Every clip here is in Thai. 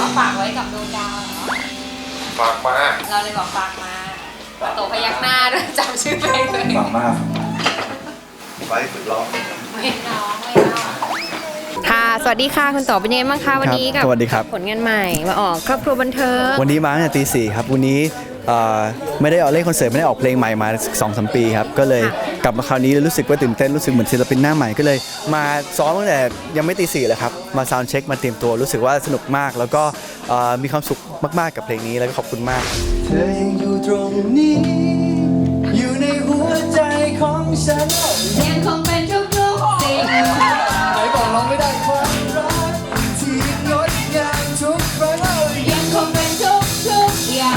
ฝากไว้กับดวงดาวเหรอฝากมาเราเลยบอกฝากมาโตพยักหน้าด้วยจำชื่อเพลงเลยฝากมาไว้ฝึกร้องไม่ร้องค่ะสวัสดีค่ะคุณโตเป็นยังไงบ้างคะวันนี้กับผลงานใหม่มาออกครอบครัวบันเทิงวันนี้มาตั้งแต่ตี 4ครับวันนี้ไม่ได้ออกเล่นคอนเสิร์ตไม่ได้ออกเพลงใหม่มา 2-3 ปีครับก็เลยกลับมาคราวนี้รู้สึกว่าตื่นเต้นรู้สึกเหมือนศิลปินหน้าใหม่ก็เลยมาซ้อมตั้งแต่ยังไม่ตี 4เลยครับมาซาวด์เช็คมาเตรียมตัวรู้สึกว่าสนุกมากแล้วก็มีความสุขมากๆกับเพลงนี้แล้วก็ขอบคุณมากเธอยังอยู่ตรงนี้อยู่ในหัวใจของฉันยังคงเป็นทุกๆสิ่งไหนบอกร้องไม่ได้ความรักที่งดงามทุกครั้งยังคงเป็นทุกอย่าง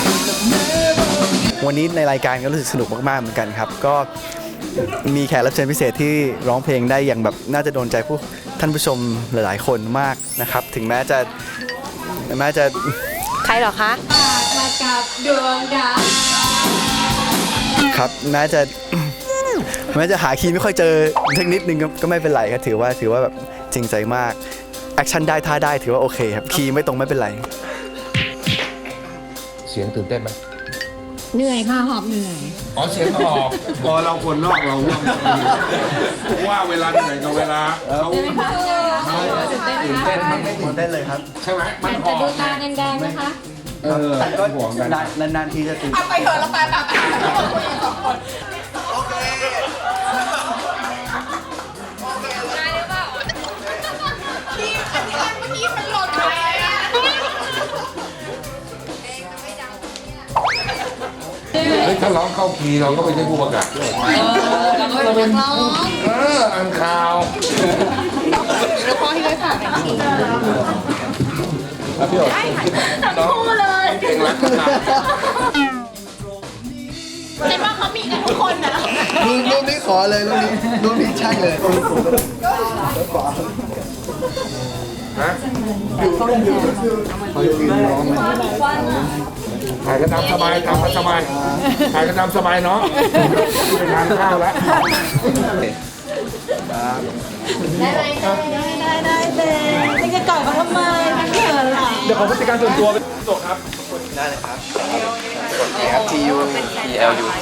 วันนี้ในรายการก็รู้สึกสนุกมากๆเหมือนกันครับก็มีแขกรับเชิญพิเศษที่ร้องเพลงได้อย่างแบบน่าจะโดนใจท่านผู้ชมหลายๆคนมากนะครับถึงแม้จะใครหรอคะมากับดวงดาวครับแม้จะหาคีย์ไม่ค่อยเจอสักนิดนึงก็ไม่เป็นไรครับถือว่าแบบจริงใจมากแอคชั่นได้ท่าได้ถือว่าโอเคครับคีย์ไม่ตรงไม่เป็นไรเสียงตื่นเต้นไหมเหนื่อยค่ะหอบเหนื่อยอ๋อเสียงออกพอเราคนนอกเราว่าเวลาเหนื่อยกับเวลาเขาตื่นเต้นมันไม่ตื่นเต้นเลยครับใช่ไหมมันออกดูตาแดงๆนะคะแต่ก็นานๆทีจะตื่นไปเถอะแล้วไปถ้าร้องเข้าคีย์เราก็ไปได้ผู้ประกาศด้วยเราเป็นนักร้องอ่านข่าวแล้วพ่อที่ได้ฝากเป็นคีย์พี่โอ๊ตทั้งคู่เลยเก่งรักขนาดเห็นว่าเขามีกันทุกคนนะรูปนี้ขอเลยรูปนี้ใช่เลยฮะถ่ายกันตามสบายถ่ายกันสบายเนาะไปทานข้าวแล้วได้ไม่จะก่อนเขาทำไมมันเขินหรอเดี๋ยวขอผู้จัดการส่วนตัวเป็นโตครับได้เลยครับกดครับ TU TLUG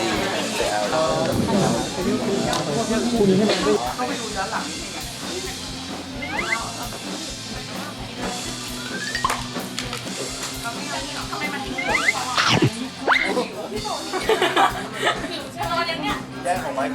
แย่ของไม้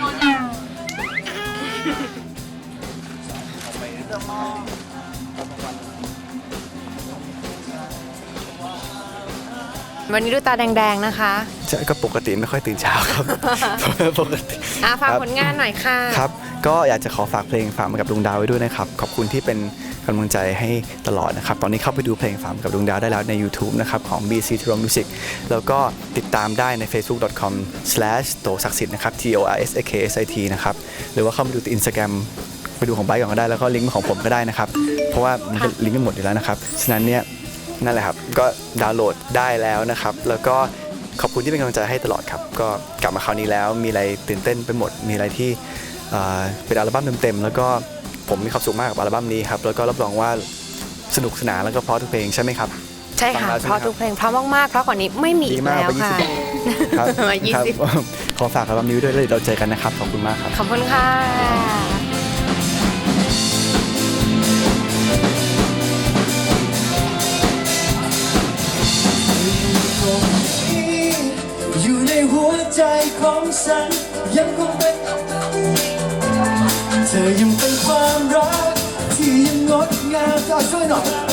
วันนี้ดูตาแดงๆนะคะก็ปกติไม่ค่อยตื่นเช้าครับปกติฝากผลงานหน่อยค่ะครับก็อยากจะขอฝากเพลงฝากมากับดวงดาวไว้ด้วยนะครับขอบคุณที่เป็นกำลังใจให้ตลอดนะครับตอนนี้เข้าไปดูเพลงฝากมากับดวงดาวได้แล้วใน YouTube นะครับของ BC t r o m Music แล้วก็ติดตามได้ใน facebook.com/tosakksit นะครับ TORSAKSIT นะครับหรือว่าเข้าไปดู Instagram ไปดูของไบค์ก่อนก็ได้แล้วก็ลิงก์ของผมก็ได้นะครับเพราะว่ามันก็ลิงก์กันหมดอยู่แล้วนะครับฉะนั้นเนี่ยนั่นแหละครับก็ดาวน์โหลดได้แล้วนะครับแล้วก็ขอบคุณที่เป็นกำลังใจให้ตลอดครับก็กลับมาคราวนี้แล้วมีอะไรตื่นเต้นไปหมดมีอะไรที่เป็นอัลบั้มเต็มๆแล้วก็ผมมีความสุขมากกับอัลบั้มนี้ครับแล้วก็รับรองว่าสนุกสนานแล้วก็เพราะทุกเพลงใช่ไหมครับใช่ค่ะเพราะทุกเพลงเพราะมากๆเพราะกว่านี้ไม่มีอีกแล้วค่ะครับขอฝากอัลบั้มนี้ด้วยแล้วเราเจอกันนะครับขอบคุณมากครับขอบคุณค่ะอยู่ในหัวใจของฉันยังคงเป็นเธอยังเป็นความรักที่ยังงดงามช่วยหน่อย